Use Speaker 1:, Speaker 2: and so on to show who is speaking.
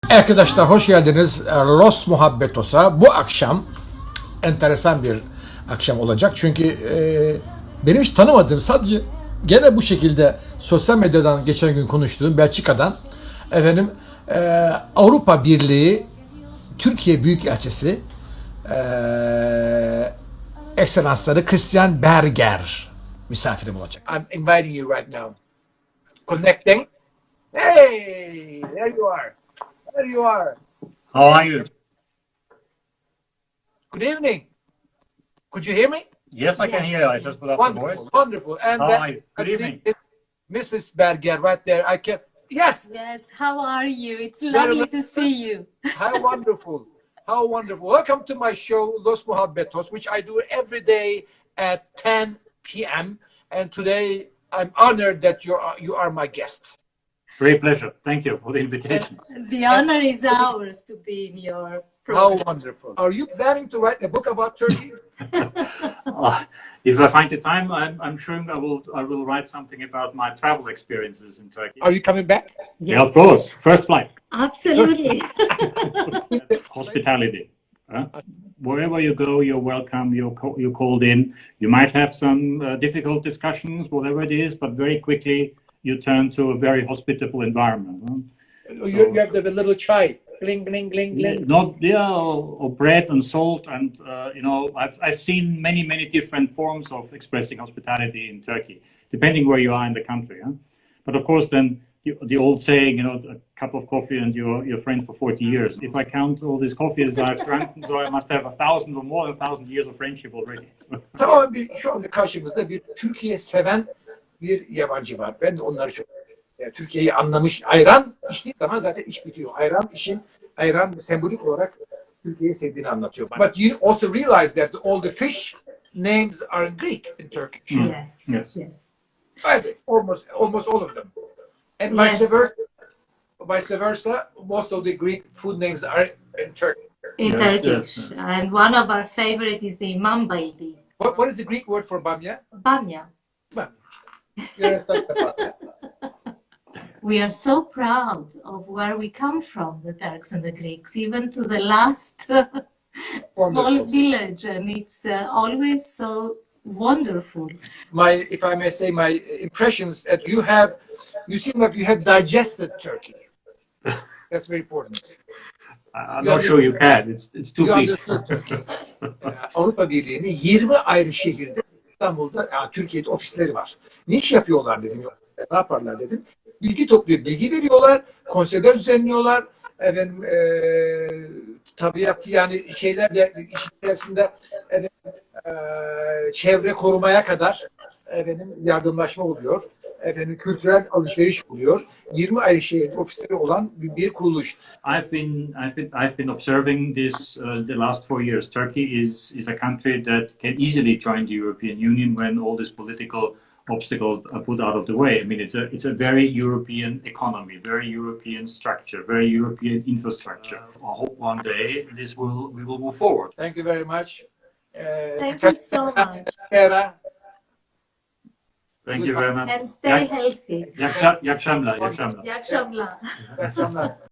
Speaker 1: Arkadaşlar hoş geldiniz Los Muhabbetos'a. Bu akşam enteresan bir akşam olacak. Çünkü benim hiç tanımadığım, sadece gene bu şekilde sosyal medyadan geçen gün konuştuğum Belçika'dan efendim Avrupa Birliği Türkiye Büyükelçisi Ekselansları Christian Berger misafirim olacak. I'm inviting you right now. Connecting. Hey, there you are. There you are.
Speaker 2: How are you?
Speaker 1: Good evening. Could you hear me?
Speaker 2: Yes, I can hear you. I just put up the
Speaker 1: Wonderful,
Speaker 2: voice.
Speaker 1: wonderful. And
Speaker 2: How
Speaker 1: that,
Speaker 2: are you? Good evening.
Speaker 1: Mrs. Berger, right there. I can. Yes.
Speaker 3: Yes, how are you? It's
Speaker 1: Very
Speaker 3: lovely
Speaker 1: well.
Speaker 3: to see you.
Speaker 1: How wonderful. How wonderful. Welcome to my show, Los Muhabbetos, which I do every day at 10 p.m. And today I'm honored that you are my guest.
Speaker 2: Great pleasure. Thank you for the invitation.
Speaker 3: The honor is ours to be in your
Speaker 1: How
Speaker 3: program.
Speaker 1: wonderful. Are you planning to write a book about Turkey?
Speaker 2: If I find the time, I'm sure I will write something about my travel experiences in Turkey.
Speaker 1: Are you coming back?
Speaker 2: Yeah, of course. First flight.
Speaker 3: Absolutely.
Speaker 2: Hospitality. Wherever you go, you're welcome. You're called in. You might have some difficult discussions, whatever it is, but very quickly you turn to a very hospitable environment.
Speaker 1: You have the little chai. Gling, gling, gling, gling.
Speaker 2: Or bread and salt, and I've seen many different forms of expressing hospitality in Turkey, depending where you are in the country. But of course, then the old saying, a cup of coffee and you're your friend for 40 years. If I count all these coffees I've drunk, so I must have 1,000 or more than 1,000 years of friendship already.
Speaker 1: Tamam, şu anda karşımızda bir Türkiye seven bir yabancı var. Ben de onları çok yani Türkiye'yi anlamış. Ayran içtiği zaman zaten iş bitiyor. Ayran sembolik olarak Türkiye'yi sevdiğini anlatıyor. But you also realize that all the fish names are in Greek in Turkish.
Speaker 3: Yes.
Speaker 1: Right, almost all of them. And vice versa, most of the Greek food names are in Turkish.
Speaker 3: In
Speaker 2: Yes,
Speaker 3: Turkish.
Speaker 2: yes.
Speaker 3: And one of our favorite is the mambaili.
Speaker 1: What is the Greek word for bamya?
Speaker 3: Bamya.
Speaker 1: Bamya. Yes,
Speaker 3: We are so proud of where we come from, the Turks and the Greeks, even to the last small
Speaker 1: Wonderful.
Speaker 3: village. And it's always so wonderful.
Speaker 1: If I may say, my impressions that you seem like you have digested Turkey. That's very important.
Speaker 2: I'm not sure you can. It's too
Speaker 1: You
Speaker 2: big.
Speaker 1: understood Turkey. Avrupa Birliği'nin 20 ayrı şehirde, İstanbul'da, Türkiye'de ofisleri var. Ne iş yapıyorlar dedim. Ne yaparlar dedim. Bilgi topluyor, bilgi veriyorlar, konseyler düzenliyorlar. Efendim, tabiat yani şeyler de iş içerisinde çevre korumaya kadar yardımlaşma oluyor. Kültürel alışveriş oluyor. 20 ayrı şehirde ofisleri olan bir kuruluş.
Speaker 2: I've been observing this the last 4 years. Turkey is a country that can easily join the European Union when all these political obstacles are put out of the way. I mean, it's a very European economy, very European structure, very European infrastructure. I hope one day we will move forward.
Speaker 1: Thank you very much.
Speaker 3: Thank you so much.
Speaker 2: Thank you very much.
Speaker 3: And stay healthy.
Speaker 2: İyi akşamlar.
Speaker 3: İyi akşamlar.
Speaker 1: İyi akşamlar.